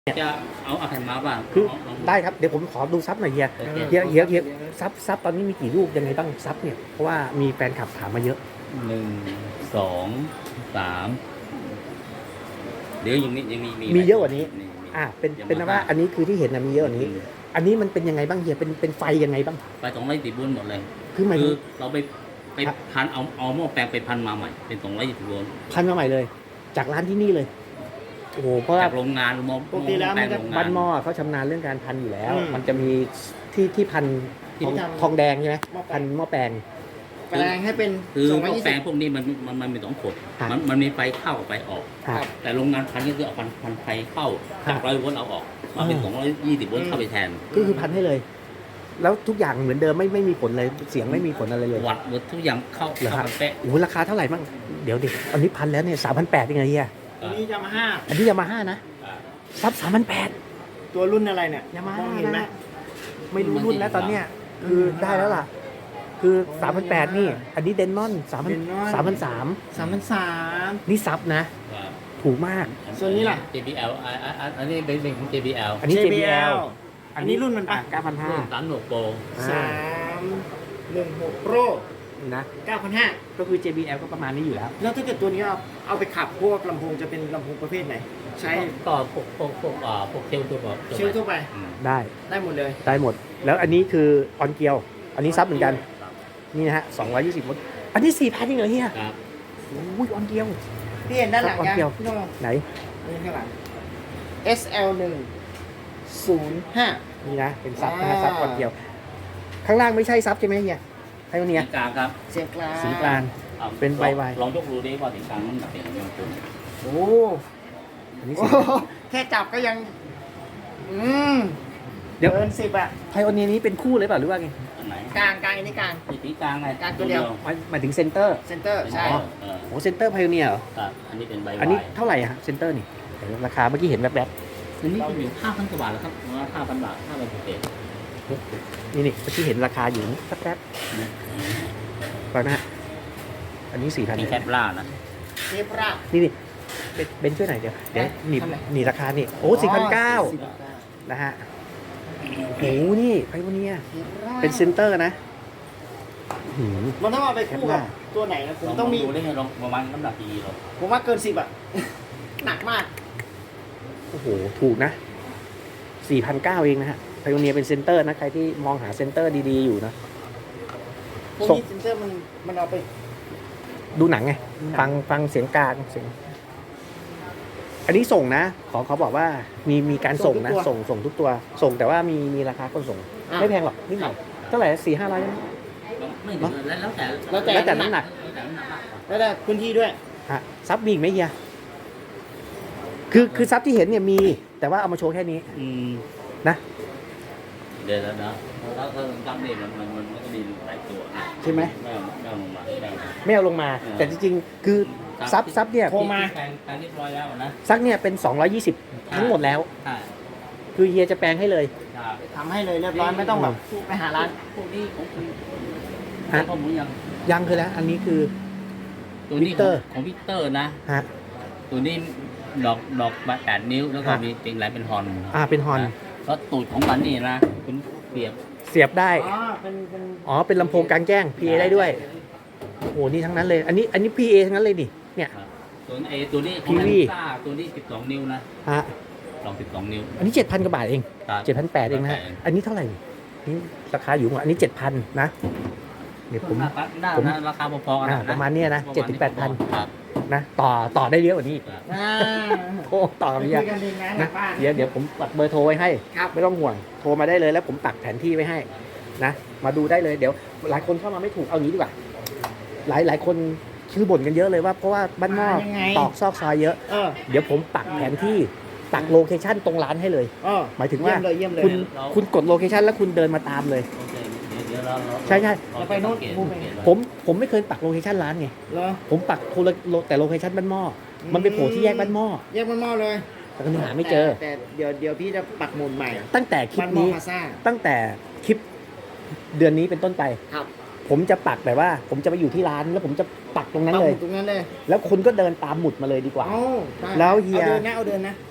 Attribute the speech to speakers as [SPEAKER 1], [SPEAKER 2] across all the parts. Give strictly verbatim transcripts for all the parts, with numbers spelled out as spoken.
[SPEAKER 1] จะเอาเอาแผ่นมาบ้าง
[SPEAKER 2] คือ
[SPEAKER 1] ลอง
[SPEAKER 2] ได้ครับเดี๋ยวผมขอดูซับหน่อยเฮีย
[SPEAKER 1] โอเค
[SPEAKER 2] เฮียเฮียเฮียซับซับตอนนี้มีกี่ลูกยังไงบ้างซับเนี่ยเพราะว่ามีแฟนคลับถามมาเยอะ
[SPEAKER 1] หนึ่งสองสามเดี๋ยวยังมียังมี
[SPEAKER 2] มีเยอะกว่านี้
[SPEAKER 1] มีมี
[SPEAKER 2] อ่าเป็น
[SPEAKER 1] ยัง
[SPEAKER 2] เป็นนะ
[SPEAKER 1] มา
[SPEAKER 2] ว่าอันนี้คือที่เห็นนะมีเยอะกว่านี้
[SPEAKER 1] อืม
[SPEAKER 2] อันนี้มันเป็นยังไงบ้างเฮียเป็นเป็นไฟยังไงบ้าง
[SPEAKER 1] ไปสองร้อยสี่บุญหมดเลย
[SPEAKER 2] คือหมาย
[SPEAKER 1] คื
[SPEAKER 2] ถึ
[SPEAKER 1] อง เราไปไป
[SPEAKER 2] ครับ
[SPEAKER 1] พันเอาเอาหม้อแปลงไปพันมาใหม่เป็นสองร้อยยี่สิบโวลต์
[SPEAKER 2] พันมาใหม่เลย จากร้านที่นี่เลยโอ้โหเพราะว่า
[SPEAKER 1] จากโรงงานหม้อ
[SPEAKER 3] ปกติแล้ว
[SPEAKER 1] หม้อ
[SPEAKER 3] มันจะ
[SPEAKER 1] โรงงาน
[SPEAKER 2] บ้านหม้อเขาชำนาญเรื่องการพันอยู่แล้ว
[SPEAKER 3] อืม
[SPEAKER 2] มันจะมีที่ที่พันทอง
[SPEAKER 3] ที่ทำ
[SPEAKER 2] ทองแดงใช่ไหม
[SPEAKER 3] หม้อแปลง
[SPEAKER 2] พันหม้อแปลง
[SPEAKER 3] แปลงให้เป็น
[SPEAKER 1] คือ
[SPEAKER 3] สอง
[SPEAKER 1] ห
[SPEAKER 3] ร้อย
[SPEAKER 1] ม้อ
[SPEAKER 3] ยี่
[SPEAKER 1] แปล
[SPEAKER 3] สิ
[SPEAKER 1] ง
[SPEAKER 3] บ
[SPEAKER 1] พวกนี้มันมันมันมีสองขด
[SPEAKER 2] ครับ
[SPEAKER 1] มันมันมีไฟเข้ากับไฟออก
[SPEAKER 2] ครับ
[SPEAKER 1] แต่โรงงานพันก็คือเอาพันพันไฟเข้า
[SPEAKER 2] ครับ
[SPEAKER 1] จากร้อยโวลต์เอาออกมาเป็น
[SPEAKER 2] อ่า
[SPEAKER 1] สองร้อยยี่สิบโวลต์เข้าไปแทน
[SPEAKER 2] ก็คือพันให้เลย แล้วทุกอย่างเหมือนเดิมไม่ไม่มีผลเลยเสียงไม่มีผลอะไรเลย
[SPEAKER 1] วัดหมดทุกอย่างเข้า
[SPEAKER 2] เหรอครั
[SPEAKER 1] เข้า
[SPEAKER 2] บ
[SPEAKER 1] ไปเป๊ะ
[SPEAKER 2] โอ้โหราคาเท่าไหร่บ้างเดี๋ยวดิอันนี้พันแล้วเนี่ยสามพันแปดยังไงเฮีย
[SPEAKER 3] ตัวนี้ยามาฮ่า
[SPEAKER 2] อันนี้ยามาฮ่านะ
[SPEAKER 1] อ่า
[SPEAKER 2] ซับสามพันแปด
[SPEAKER 3] ตัวรุ่นอะไรเนี่ย
[SPEAKER 2] ยามาม ฮ่า
[SPEAKER 3] องเห็นไหม
[SPEAKER 2] ไม่รู้รุ่นแล้วตอนเนี้ยคือได้แล้วล่ะ คือสามพันแปดนี่ อันนี้เดนนอนสามพันสามพันสาม
[SPEAKER 3] สามพันสาม
[SPEAKER 2] นี่ซับนะ
[SPEAKER 1] ว่า
[SPEAKER 2] ถูกมาก
[SPEAKER 3] ส่วนนี้ล่ะ
[SPEAKER 1] เจ บี แอลอ่าอ่าอ่าอันนี้เป็นเป็นของ เจ บี แอล
[SPEAKER 2] อันนี้ เจ บี แอล
[SPEAKER 3] อันนี้รุ่นมันปะ
[SPEAKER 2] เก้าพันห้า
[SPEAKER 1] รุ่นสามหนวกโปร
[SPEAKER 3] สามหนึ่งหกโปร
[SPEAKER 2] นะ
[SPEAKER 3] เก้าพันห้า
[SPEAKER 2] ก็คือ เจ บี แอล ก็ประมาณนี้อยู่แล้ว
[SPEAKER 3] แล้วถ้าเกิดตัวนี้เอาเอาไปขับพวกลำโพงจะเป็นลำโพงประเภทไหน ใช้
[SPEAKER 1] ต่อพวกพวกพวกอ่าพวกเชลตัวแบบ
[SPEAKER 3] เชลทั่วไป
[SPEAKER 1] อืม
[SPEAKER 2] ได้
[SPEAKER 3] ได้หมดเลย
[SPEAKER 2] ได้หมด แล้วอันนี้คือออนเกียว อันนี้ซับเหมือนกัน นี่นะฮะสองร้อยยี่สิบวัตต์อันนี้สี่พันจริงเหรอเฮีย
[SPEAKER 1] ครับ
[SPEAKER 2] โอ้ยออนเกียว
[SPEAKER 3] พี่เห็นด้านหลัง
[SPEAKER 2] ครับ
[SPEAKER 3] ยัง
[SPEAKER 2] เกี่ยว
[SPEAKER 3] พี่โน้อง
[SPEAKER 2] ไหน
[SPEAKER 3] นี่ข้างหลัง เอส แอล หนึ่ง ศูนย์ ห้า
[SPEAKER 2] นี่นะ เป็นซับนะฮะ
[SPEAKER 3] อ่า
[SPEAKER 2] ซับออนเกียว ข้างล่างไม่ใช่ซับใช่ไหมเฮียไพโอเนีย
[SPEAKER 1] สีกลางครับ
[SPEAKER 3] เสียงกลาง
[SPEAKER 2] สีกลาง
[SPEAKER 1] อ่า
[SPEAKER 2] เป็นใบวาย
[SPEAKER 1] ลองยกดูดิว่าสีกลางมันหนักเป็นยังไงคุณ
[SPEAKER 3] โอ้
[SPEAKER 2] อันนี้
[SPEAKER 3] โอ้
[SPEAKER 2] สี
[SPEAKER 3] โหแค่จับก็ยัง อืม
[SPEAKER 2] เดี๋ยว
[SPEAKER 3] เกินสิบอะ
[SPEAKER 2] ไพโอเนียนี้เป็นคู่เลยเปล่าหรือว่าไง
[SPEAKER 1] อันไหน
[SPEAKER 3] กลางกลางอันนี้กลาง
[SPEAKER 1] สีกลางไง
[SPEAKER 3] กลางตัวเดียว
[SPEAKER 2] หมายหมายถึงเซนเตอร์
[SPEAKER 3] เซนเตอร์ ใช่
[SPEAKER 1] อ๋อเออ
[SPEAKER 2] โอ้เซนเตอร์ไพโอเนียเหรอ
[SPEAKER 1] ครับอันนี้เป็นใบวาย
[SPEAKER 2] อันนี้เท่าไหร่อะฮะเซนเตอร์นี่เดี๋ยวราคาเมื่อกี้เห็นแวบ
[SPEAKER 1] อันนี้ก็อยู่ห้าพันกว่าบาทแล้วครับห้าพันบาทห้าพันเศษ
[SPEAKER 2] ๆนี่นี่เมื่อกี้เห็นราคาอยู่แป๊บๆฟังนะฮะอันนี้สี่พัน
[SPEAKER 1] นี่แคปล่านะ
[SPEAKER 3] เทปราบ
[SPEAKER 2] นี่นี่เบนเบนช่วยหน่อยเดี๋ยวเดี๋ยวหนีบ
[SPEAKER 3] ทำไม
[SPEAKER 2] หนีราคานี่โอ้สี่พันเก้า
[SPEAKER 3] สี่พันเก้า
[SPEAKER 2] นะฮะโอ้โหนี่ไพโอเนีย
[SPEAKER 3] เทปราบ
[SPEAKER 2] เป็นเซนเตอร์นะหืม
[SPEAKER 3] มันต้องเอาไปคู่กับตัวไหนนะผมต้องมี
[SPEAKER 1] ดูได้ไงลองประมาณน้ำหนักกี่กิโล
[SPEAKER 3] ผมว่าเกินสิบอะ หนักมาก
[SPEAKER 2] โอ้โหถูกนะสี่พันเก้าเองนะฮะไพโอเนียเป็นเซนเตอร์นะใครที่มองหาเซนเตอร์ดีๆอยู่นะ
[SPEAKER 3] พวก
[SPEAKER 2] ส่ง
[SPEAKER 3] นี้เซนเตอร์มันมันเอาไป
[SPEAKER 2] ดูหนังไง
[SPEAKER 3] ดูหนัง
[SPEAKER 2] ฟังฟังเสียงกลางเสียงอันนี้ส่งนะ ขอเขาบอกว่ามีมีการส่งนะ ส่งส่งทุกตัว ส่งแต่ว่ามีมีราคาคนส่ง
[SPEAKER 3] อ่ะ
[SPEAKER 2] ไม่แพงหรอกนิดหน่อยเท่าไหร่สี่ห้าร้อย
[SPEAKER 1] ไม่ถึงแล้วแล้วแต่
[SPEAKER 3] แล้วแต่
[SPEAKER 2] แล้วแต่น้ำหนัก
[SPEAKER 1] แล้วแต่น้ำหนักมากกว่า
[SPEAKER 3] แล้วแต่พื้นที่ด้วย
[SPEAKER 2] ฮะซับมีอีกไหมเฮียคือคือซับที่เห็นเนี่ยมี แต่ว่าเอามาโชว์แค่นี้
[SPEAKER 1] อืม
[SPEAKER 2] นะ
[SPEAKER 1] เดี๋ยวแล้วนะถ้าถ้าจำเนี่ยมันมันมันก็มีหลายตัวนะ
[SPEAKER 2] ใช่ไหม
[SPEAKER 1] ไม่เอาไม่เอาลงมาไม่เอา
[SPEAKER 2] ไม่เอาลงมา
[SPEAKER 1] เออ
[SPEAKER 2] แต่จริงๆ คือซับซับเนี่ย
[SPEAKER 3] โทรมา
[SPEAKER 1] แปลงแปลงเรียบร้อยแล้วนะ
[SPEAKER 2] ซักเนี่ยเป็นสองร้อยยี่สิบทั้งหมดแล้ว
[SPEAKER 1] ใช่
[SPEAKER 2] คือเฮียจะแปลงให้เลย
[SPEAKER 1] ใช่
[SPEAKER 3] ทำให้เลยเรียบร้อยไม่ต้องแบบไปหาร้าน
[SPEAKER 1] พวกนี้ของคุณ
[SPEAKER 2] ฮะ
[SPEAKER 1] ข้อมูลยัง
[SPEAKER 2] ยังคือแล้ว อันนี้คือ
[SPEAKER 1] ตัวนี้
[SPEAKER 2] วิกเตอร์
[SPEAKER 1] ของของวิกเตอร์นะ
[SPEAKER 2] ฮะ
[SPEAKER 1] ตัวนี้ดอกดอกแปดนิ้วแล้วก็
[SPEAKER 2] ฮะ
[SPEAKER 1] มีเต็งไหลเป็นฮอน
[SPEAKER 2] อ่าเป็นฮอน
[SPEAKER 1] ะแล้วตูดของมันนี่นะคุณเปรียบ
[SPEAKER 2] เสียบได้
[SPEAKER 3] อ๋อ เป็นเป็น
[SPEAKER 2] อ๋อ เป็นลำโพงกลางแจ้ง พี เอ ได้ด้วย โอ้โห นี่ทั้งนั้นเลย อันนี้ อันนี้ พี เอ ทั้งนั้นเลยนี่ เนี่ย
[SPEAKER 1] ครับตัวนี้เอตัวนี้
[SPEAKER 2] พี วี
[SPEAKER 1] ซ่าตัวนี้สิบสองนิ้วนะ
[SPEAKER 2] ฮะ
[SPEAKER 1] ลองสิบสองนิ้ว
[SPEAKER 2] อันนี้เจ็ดพันกว่าบาทเอง
[SPEAKER 1] ครับ
[SPEAKER 2] เจ็ดพันแปดเองนะฮะ อันนี้เท่าไหร่ นี่ราคาอยู่อันนี้เจ็ดพันนะ เดี๋ยวผม
[SPEAKER 1] หน้าหน้า
[SPEAKER 2] ผม
[SPEAKER 1] นะราคาพอๆกัน
[SPEAKER 2] อ่า
[SPEAKER 1] นะ
[SPEAKER 2] ประมาณเนี้ยนะ
[SPEAKER 1] ประมาณ
[SPEAKER 2] เจ็ดถึงแปดพัน
[SPEAKER 1] ครับ
[SPEAKER 2] นะ ต่อ ต่อได้เยอะกว่านี้อีก
[SPEAKER 1] ครับ
[SPEAKER 3] อ่า
[SPEAKER 2] โอ้ ต่อ
[SPEAKER 3] ไป
[SPEAKER 2] เย
[SPEAKER 3] คุ
[SPEAKER 2] อะ
[SPEAKER 3] ยกันเองนะหลั
[SPEAKER 2] นะ
[SPEAKER 3] งบ้าน
[SPEAKER 2] เดี๋ยวเดี๋ยวผมปักเบอร์โทรไว้ให้
[SPEAKER 3] ครับ
[SPEAKER 2] ไม่ต้องห่วง โทรมาได้เลยแล้วผมปักแผนที่ไว้ให้นะ มาดูได้เลย เดี๋ยว หลายคนเข้ามาไม่ถูก เอางี้ดีกว่า หลายหลายคนชื่อบ่นกันเยอะเลยว่าเพราะว่าบ้านนอก
[SPEAKER 3] มายังไง
[SPEAKER 2] ตอกซอกซอยเยอะ
[SPEAKER 3] เออ
[SPEAKER 2] เดี๋ยวผมปักแผนที่ปักโลเคชั่นตรงร้านให้เลย
[SPEAKER 3] เออ
[SPEAKER 2] หมายถึงว่า
[SPEAKER 3] เยี่ยมเลยเยี่ยมเลย
[SPEAKER 2] คุณคุณกดโลเคชั่นแล้วคุณเดินมาตามเลย
[SPEAKER 1] โอเคเดี๋ยวเดี๋ยวเราเรา
[SPEAKER 2] ใช่ใช่
[SPEAKER 1] เรา
[SPEAKER 3] เราไปโน่น
[SPEAKER 1] สังเกต
[SPEAKER 3] มุมไป
[SPEAKER 1] สังเกต
[SPEAKER 2] ผมผมไม่เคยปักโลเคชั่นร้านไง
[SPEAKER 3] เหรอ
[SPEAKER 2] ผมปักโทรโลแต่โลเคชั่นบ้านหม้ออ
[SPEAKER 3] ม
[SPEAKER 2] มันไปโผล่ที่แยกบ้านหม้อ
[SPEAKER 3] แยกมันหม้อเลย
[SPEAKER 2] แต่ก็ยังหาไม่เจอ
[SPEAKER 3] แต่แต่เดี๋ยวเดี๋ยวพี่จะปักหมุนใหม่
[SPEAKER 2] ตั้งแต่คลิ
[SPEAKER 3] มั
[SPEAKER 2] ป
[SPEAKER 3] นหม้อ
[SPEAKER 2] นี้
[SPEAKER 3] พาซ่า
[SPEAKER 2] ตั้งแต่คลิปเดือนนี้เป็นต้นไป
[SPEAKER 3] ครับ
[SPEAKER 2] ผมจะปักแบบว่า ผมจะไปอยู่ที่ร้านแล้วผมจะปักตรงนั้นเลย
[SPEAKER 3] ปักหมุดตรงนั้นเลย
[SPEAKER 2] แล้วคุณก็เดินตามหมุดมาเลยดีกว่า
[SPEAKER 3] เอาได้
[SPEAKER 2] แล้วเฮีย
[SPEAKER 3] เอาเดินนะเอาเดินนะ
[SPEAKER 2] เดิน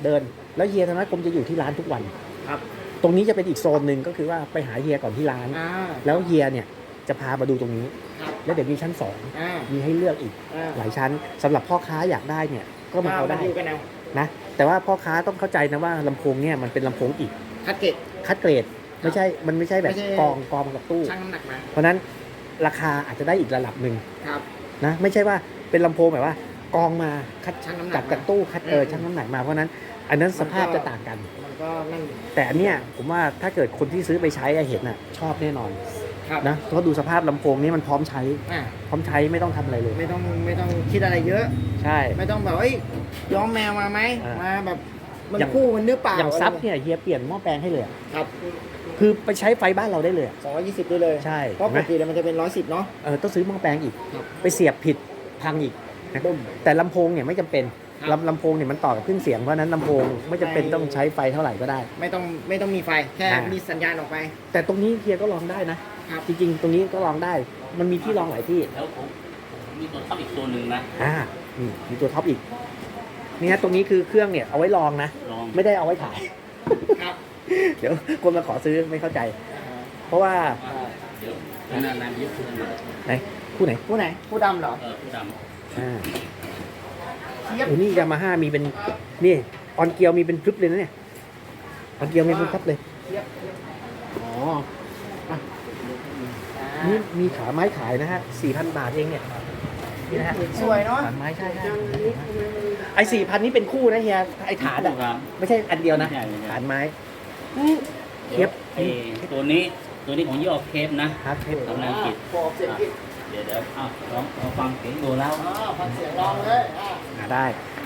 [SPEAKER 2] แล้วเฮียธนกรมจะอยู่ที่ร้านทุกวัน
[SPEAKER 3] ครับ
[SPEAKER 2] ตรงนี้จะเป็นอีกโซนหนึ่งก็คือว่าไปหาเฮียก่อนที่ร้าน
[SPEAKER 3] อ่า
[SPEAKER 2] แล้วเฮียเนี่ยจะพามาดูตรงนี้
[SPEAKER 3] ครับ
[SPEAKER 2] แล้วเดี๋ยวมีชั้นสอง
[SPEAKER 3] อ่า
[SPEAKER 2] มีให้เลือกอีก
[SPEAKER 3] อ่า
[SPEAKER 2] หลายชั้นสำหรับพ่อค้าอยากได้เนี่ยก็มาเอาได้
[SPEAKER 3] ดูกันเอา
[SPEAKER 2] นะแต่ว่าพ่อค้าต้องเข้าใจนะว่าลำโพงเนี่ยมันเป็นลำโพงอีก
[SPEAKER 3] คัดเกต
[SPEAKER 2] คัดเกรดไม่ใช่มันไม่ใช่แบบ
[SPEAKER 3] ไม่ใช่
[SPEAKER 2] กองกองกับตู้
[SPEAKER 3] ชั่งน้ำหนักมา
[SPEAKER 2] เพราะฉะนั้นราคาอาจจะได้อีกระดับหนึ่ง
[SPEAKER 3] ครับ
[SPEAKER 2] นะไม่ใช่ว่าเป็นลำโพงแบบว่ากองมาคัด
[SPEAKER 3] ชั่งน้ำหนัก
[SPEAKER 2] จากจาก
[SPEAKER 3] มา
[SPEAKER 2] ตู้คัดเออ
[SPEAKER 3] อืม
[SPEAKER 2] ชั่งน้ำหนักมาเพราะฉะนั้น อันนั้นสภาพ
[SPEAKER 3] มันก็
[SPEAKER 2] จะต่างกัน
[SPEAKER 3] มันก็นั่น
[SPEAKER 2] แต่อันเนี้ยผมว่าถ้าเกิดคนที่ซื้อไปใช้อะเห็นน่ะชอบแน่นอน
[SPEAKER 3] ครับ
[SPEAKER 2] นะเพราะดูสภาพลำโพงนี้มันพร้อมใช้
[SPEAKER 3] อ่า
[SPEAKER 2] พร้อมใช้ไม่ต้องทำอะไรเลย
[SPEAKER 3] ไม่ต้องไม่ต้องคิดอะไรเยอะ
[SPEAKER 2] ใช่
[SPEAKER 3] ไม่ต้องแบบเอ้ยย้อมแมวมาไหม
[SPEAKER 2] อ่าม
[SPEAKER 3] มาแบบมัน
[SPEAKER 2] อย่าง
[SPEAKER 3] คู่มันหรือเปล่า
[SPEAKER 2] อย่างซับเนี่ยเฮียเปลี่ยนหม้อแปลงให้เลยอะ
[SPEAKER 3] ครับ
[SPEAKER 2] คือไปใช้ไฟบ้านเราได้เลยอะ
[SPEAKER 3] สองร้อยยี่สิบด้วยเลย
[SPEAKER 2] ใช่
[SPEAKER 3] เพราะป
[SPEAKER 2] เห็น
[SPEAKER 3] ก
[SPEAKER 2] ไหม
[SPEAKER 3] ติแล้วมันจะเป็นร้อยสิบเนาะ
[SPEAKER 2] เออต้องซื้อหม้อแปลงอีก
[SPEAKER 3] ครับ
[SPEAKER 2] ไปเสียบผิดพังอีกนะ
[SPEAKER 3] บุ้ม
[SPEAKER 2] แต่ลำโพงเนี่ยไม่จำเป็น
[SPEAKER 3] ครับ
[SPEAKER 2] ลำลำโพงเนี่ยมันต่อกับเครื่องเสียงเพราะฉะนั้นลำโพงไม่จำเป็น
[SPEAKER 3] ไม่
[SPEAKER 2] ต้องใช้ไฟเท่าไหร่ก็ได้
[SPEAKER 3] ไม่ต้องไม่ต้องมีไฟแค่
[SPEAKER 2] อ่ามี
[SPEAKER 3] มีสัญญาณออกไป
[SPEAKER 2] แต่ตรงนี้เฮียก็ลองได้นะครับ จริงๆ ตรงนี้ก็ลองได้ มันมีที่ลองหลายที่
[SPEAKER 1] แล้วผมผมมีตัวท็อปอีกตัวหนึ่งนะ
[SPEAKER 2] อ่านี่มีตัวท็อปอีกเนี่ยตรงนี้คือเครื่องเนี่ยเอาไว้ลองนะ
[SPEAKER 1] ลอง
[SPEAKER 2] ไม่ได้เอาไว้ขาย
[SPEAKER 3] ครับ
[SPEAKER 2] เดี๋ยวคนมาขอซื้อไม่เข้าใจ เพราะว่า
[SPEAKER 1] เดี๋ยวนานๆเยอะขึ้นหน่อย
[SPEAKER 2] ไหนคู่ไหน
[SPEAKER 3] ผู้ไหนผู้ดำเหรอ
[SPEAKER 1] เออผู้ด
[SPEAKER 2] อ่า
[SPEAKER 3] เทียบ
[SPEAKER 2] โอ้นี่ยามาฮ่ามีเป็นนี่ออนเกียวมีเป็นพรึบเลยนะเนี่ยออนเกียวมีเป็นพรึบเลย
[SPEAKER 3] เทียบอ๋ออ่ะ
[SPEAKER 2] นี่มีขาไม้ขายนะฮะสี่พันบาทเองเนี่ยนี่นะฮะ
[SPEAKER 3] สวยเนาะ
[SPEAKER 2] ขาไม้ใช่ใช่ไอ้สี่พันนี่เป็นคู่นะเฮียไอ้
[SPEAKER 1] ำ
[SPEAKER 2] ฐานอะ
[SPEAKER 1] ครับ
[SPEAKER 2] ไม่ใช่อันเดียวนะ
[SPEAKER 1] ไม่ใช่ไม่ใช่
[SPEAKER 2] ฐานไม้
[SPEAKER 1] เดี๋ยวไอ้ตัวนี้ตัวนี้ของยี่ห้อเคปนะ
[SPEAKER 2] ฮาร์ดเทป
[SPEAKER 1] ทำงานกิจ
[SPEAKER 3] บอกเสียงกิจ
[SPEAKER 1] เดี๋ยวเดี๋ยวอ้าวลองลองฟังเสียงดูแล้ว
[SPEAKER 3] อ๋อฟังเสียงลองเลยอ่ะ
[SPEAKER 2] หาได้